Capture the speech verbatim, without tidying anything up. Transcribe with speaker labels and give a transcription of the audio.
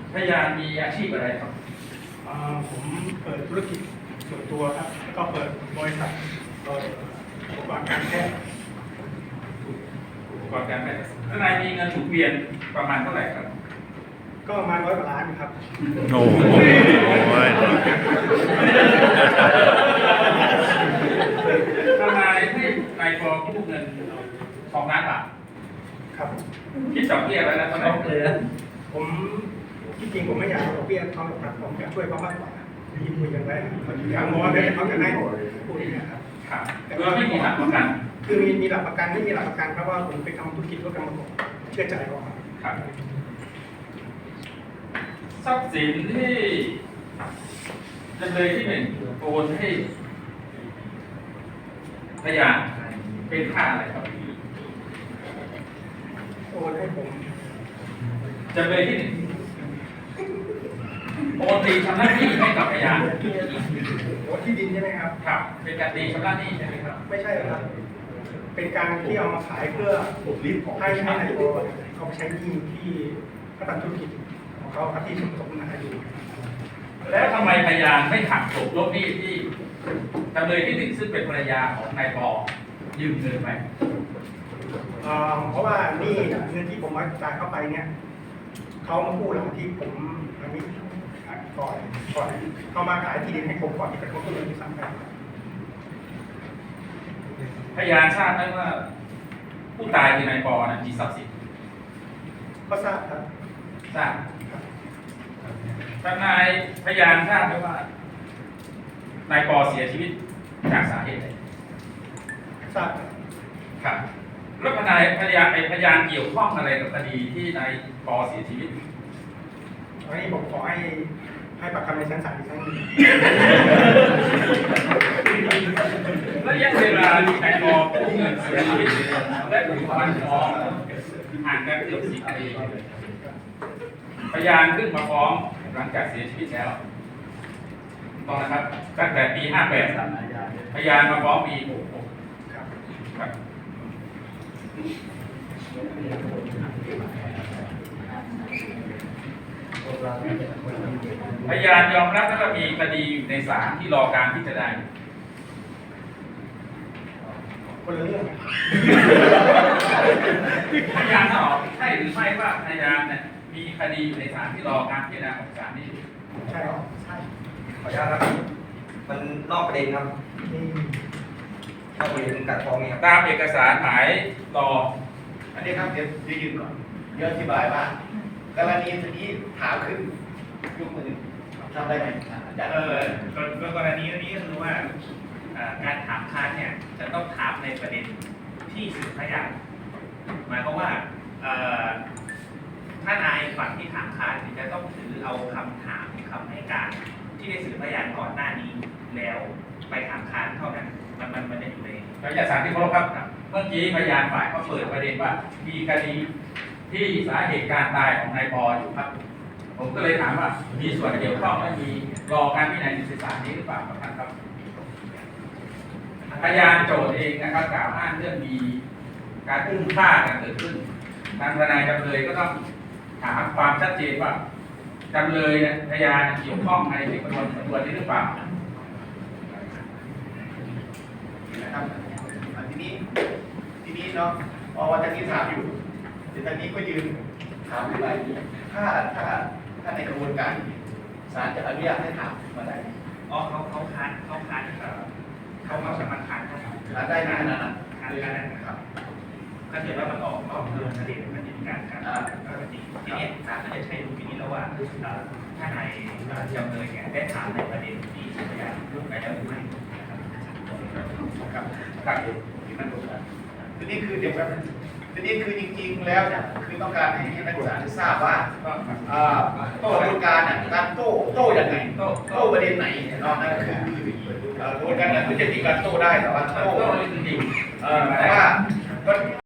Speaker 1: พยานมีอาชีพอะไรครับ
Speaker 2: ผมเปิดธุรกิจส่วนตัวครับแล้วก็เปิดบริษัทเอ่ออุปกรณ์การแพทย์
Speaker 1: อุปกรณ์การแพทย์ทนายมีเงินหมุนเวียนประมาณเท่าไหร่ครับ
Speaker 2: ก็ประมาณร้อยกว่าล้านครับ
Speaker 3: โอ้โห
Speaker 1: ทนายให้นายกอกู้เงินสองล้านบาท
Speaker 2: ครับ
Speaker 1: คิดดอกเบี้ยแล้วนะเท่าไหร่
Speaker 2: ผมที่จริงผมไม่อยากเอาดอกเบี้ยเขาหรอกครับผมอยากช่วยเขามากกว่าที่คุยกันไว้อยากมองว่าเขาจะให้พูดอย่างนี้ครับ
Speaker 1: ครับโดยไม่มีหลักประกัน
Speaker 2: คือมีมีหลักประกันไม่มีหลักประกันเพราะว่าผมไปทำธุรกิจร่วมกันมาก่อนเชื่อใจเขา
Speaker 1: ครับทรัพย์สินที่จำเลยที่หนึ่งโอนให้พยานเป็นค่าอะไรครับ
Speaker 2: โอนให้ผม
Speaker 1: จำเลยที่หนึ่งโอนตีชำระหนี้ให้กับพยาน
Speaker 2: โอนที่ดินใช่ไหมครับ
Speaker 1: ครับเป็นการตีชำระหนี้ใช่ไหมครับ
Speaker 2: ไม่ใช่ครับเป็นการที่เอามาขายเพื่อให้ให้นายโอเขาไปใช้หนี้ที่เขาทำธุรกิจของเขาครับที่สมทบนาอยู่
Speaker 1: แล้วทำไมพยานไม่หักศพลบหนี้ที่จำเลยที่หนึ่งซึ่งเป็นภรรยาของนายปอยืมเงินไป
Speaker 2: เพราะว่านี่เงินที่ผมมาจ่ายเข้าไปเนี่ยเขามาพูดหลังที่ผมอันนี้ก่อนก่อนเขามาขายที่ดินให้ผมก่อนที่จะเขาก็เลยมีสั่งไป
Speaker 1: พยานทราบไหมว่าผู้ตายคือนายปอนะมีทรัพย์สิน
Speaker 2: ก็ทราบครับ
Speaker 1: ทราบทนายพยานทราบไหมว่านายปอเสียชีวิตจากสาเหตุใด
Speaker 2: ทราบ
Speaker 1: ครับแล้วทนายพยานไอ้พยานเกี่ยวข้องอะไรกับคดีที่นายปอเสียชีวิต
Speaker 2: อันนี้ผมขอให้ให้ปากคำในชั้นศาลอีกครั้งนึง
Speaker 1: ระยะเวลาที่นายปอกู้เงินเสียชีวิตและถูกฟันฟ้องห่างกันเกือบสิบปีพยานขึ้นมาฟ้องหลังจากเสียชีวิตแล้วต้องนะครับตั้งแต่ปีห้าแปดพยานมาฟ้องปีหกหกครับพยานยอมรับว่ามีคดีอยู่ในศาลที่รอการพิจารณา
Speaker 2: คนละเรื่อง
Speaker 1: พยานตอบใช่หรือไม่ว่าพยานเนี่ยมีคดีอยู่ในศาลที่รอการพิจารณาของศาลนี้
Speaker 2: ใช่ครับใช่
Speaker 4: ขออนุญาตครับมันนอกประเด็นครับนอกประเด็นการฟ้องเนี่ย
Speaker 1: ตามเอกสารหมายรอ
Speaker 5: อันนี้ครับเดี๋ยวยืนก่อนเดี๋ยวอธิบายว่ากรณีที่ถามขึ้นยกมือทำได้ไหม
Speaker 6: เออกรณีนี้ก็คือว่าการถามค้านเนี่ยจะต้องถามในประเด็นที่สืบพยานหมายความว่าถ้านายฝั่งที่ถามค้านจะต้องถือเอาคำถามคำให้การที่ได้สืบพยานก่อนหน้านี้แล้วไปถามค้านเท่านั้นมันมันมันจะอยู่ใน
Speaker 1: ระยะสารที่เคารพครับเมื่อกี้พยานฝ่ายเขาเปิดประเด็นว่ามีคดีที่สาเหตุการตายของนายปออยู่ครับผมก็เลยถามว่ามีส่วนเกี่ยวข้องและมีรอการพิจารณาในศาลนี้หรือเปล่าครับท่านครับพยานโจทย์เองนะครับกล่าวอ้างเรื่องมีการอุ้มฆ่ากันเกิดขึ้นทางทนายจำเลยก็ต้องถามความชัดเจนว่าจำเลยเนี่ยพยานเกี่ยวข้องในที่ประมวลสำนวนนี้หรือเปล่า
Speaker 5: นะครับทีนี้ทีนี้เนาะพอวันนี้ถามอยู่เดี๋ยวทางนี้ก็ยืนถามอยู่ไปถ้าถ้าถ้าในกระบวนการศาลจะอนุญาตให้ถามมาได้
Speaker 6: อ๋อเขาเขาค้านเขาค้านเขาเขาสามารถค้าน
Speaker 5: ค้านได้ขนาดนั้น
Speaker 6: ค้านได้นะครับถ้าเกิดว่ามันออกนอกเรื่องประเด็นมันจะมีการค้านทีนี้ศาลก็จะใช้ดูวิธีแล้วว่าถ้านายจำเลยเนี่ยได้ถามในประเด็นที่พยานรู้ไปแล้วหรือไม่
Speaker 5: ครับครับทีนี้คือเดี๋ยวแบบทีนี้คือจริงๆแล้วเนี่ยคือต้องการให้นักศึกษาได้ทราบว่าโต้กระบวนการเนี่ยการโต้โต้ยังไงโต้โต้ประเด็นไหนเนาะนั่นคือกระบวนการนั้นคือจะมีการโต้ได้แต่ว่าโต้แต่ว่า